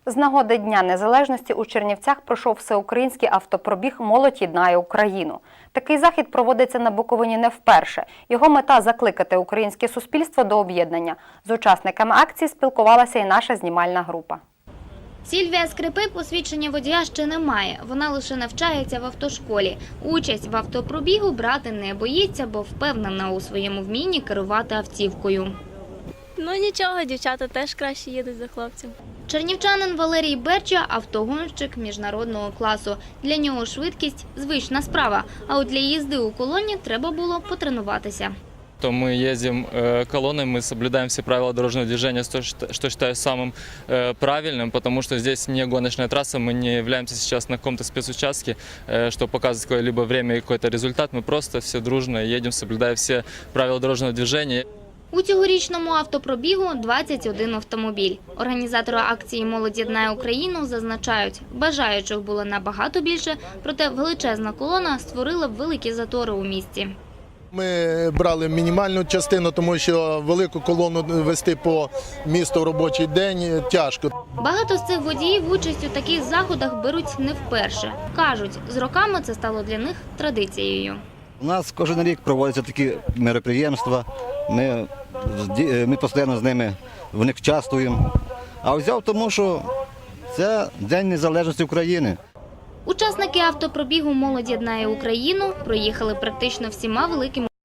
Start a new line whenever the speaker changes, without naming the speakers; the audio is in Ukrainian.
З нагоди Дня Незалежності у Чернівцях пройшов всеукраїнський автопробіг «Молодь єднає Україну». Такий захід проводиться на Буковині не вперше. Його мета – закликати українське суспільство до об'єднання. З учасниками акції спілкувалася і наша знімальна група.
Сільвія Скрипи посвідчення водія ще не має. Вона лише навчається в автошколі. Участь в автопробігу брати не боїться, бо впевнена у своєму вмінні керувати автівкою.
Ну нічого, дівчата теж краще їдуть за хлопців.
Чернівчанин Валерій Берча – автогонщик міжнародного класу. Для нього швидкість – звична справа, а от для їзди у колоні треба було потренуватися.
То мы ездим колонной, мы соблюдаем все правила дорожного движения, что считаю самым правильным, потому что здесь не гоночная трасса, мы не являемся сейчас на каком-то спецучастке, чтобы показывать какое-либо время и какой-то результат. Мы просто все дружно едем, соблюдая все правила дорожного движения.
У цьогорічному автопробігу 21 автомобіль. Організатори акції «Молодь єднає Україну» зазначають, бажаючих було набагато більше, проте величезна колона створила великі затори у місті.
Ми брали мінімальну частину, тому що велику колону вести по місту в робочий день тяжко.
Багато з цих водіїв участь у таких заходах беруть не вперше. Кажуть, з роками це стало для них традицією.
У нас кожен рік проводяться такі мероприємства, ми постійно з ними в них участвуємо. А взяв тому, що це День Незалежності України.
Учасники автопробігу «Молодь єднає Україну» проїхали практично всіма великими